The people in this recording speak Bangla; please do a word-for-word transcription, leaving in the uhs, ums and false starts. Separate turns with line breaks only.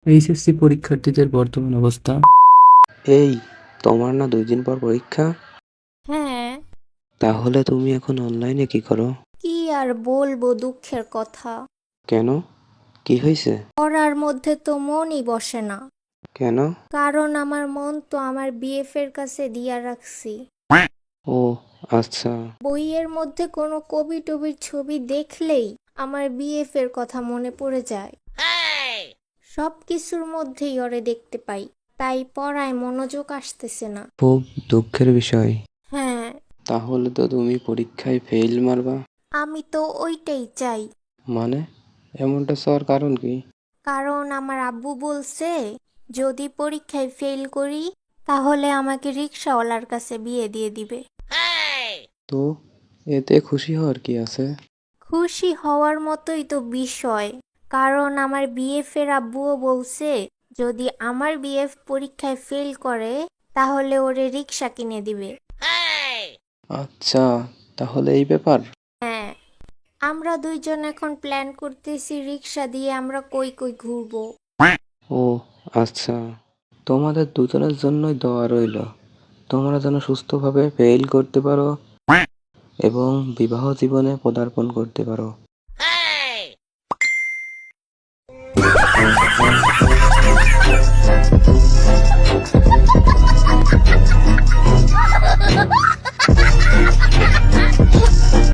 এইচএসসি পরীক্ষার্থীদের বর্তমান অবস্থা।
এই, তোমার না দুই দিন পর পরীক্ষা?
হ্যাঁ।
তাহলে তুমি এখন অনলাইনে কি করো?
কি আর বলবো, দুঃখের কথা।
কেন? কি হয়েছে?
পড়ার মধ্যে তো মনই বসে না।
কেন?
কারণ আমার মন তো আমার বিএফ এর কাছে দিয়া রাখছি।
ও আচ্ছা।
বইয়ের মধ্যে কোনো কবি টবির ছবি দেখলেই আমার বিএফ এর কথা মনে পড়ে যায়। সব কিছুর মধ্যেই ওরে দেখতে পাই, তাই পড়ায় মনোযোগ আসতেছে না।
খুব দুঃখের বিষয়।
হ্যাঁ,
তাহলে তো তুমি পরীক্ষায় ফেল মারবা।
আমি তো ওইটাই চাই।
মানে এমনটা চাওয়ার কারণ কি?
কারণ আমার আব্বু বলছে, যদি পরীক্ষায় ফেল করি তাহলে আমাকে রিক্সাওয়ালার কাছে বিয়ে দিয়ে দিবে।
তো এতে খুশি হওয়ার কি আছে?
খুশি হওয়ার মতোই তো বিষয়। কারণ আমার বিএফ এর আব্বুও বলছে, যদি আমার বিএফ পরীক্ষায় ফেল করে তাহলে ওরে রিক্সা কিনে দিবে।
আচ্ছা, তাহলে এই ব্যাপার।
হ্যাঁ, আমরা দুইজন এখন প্ল্যান করতেছি রিক্সা দিয়ে আমরা কই কই ঘুরবো।
ও আচ্ছা, তোমাদের দুজনের জন্যই দোয়া রইল। তোমরা যেন সুস্থভাবে ফেল করতে পারো এবং বিবাহ জীবনে পদার্পণ করতে পারো।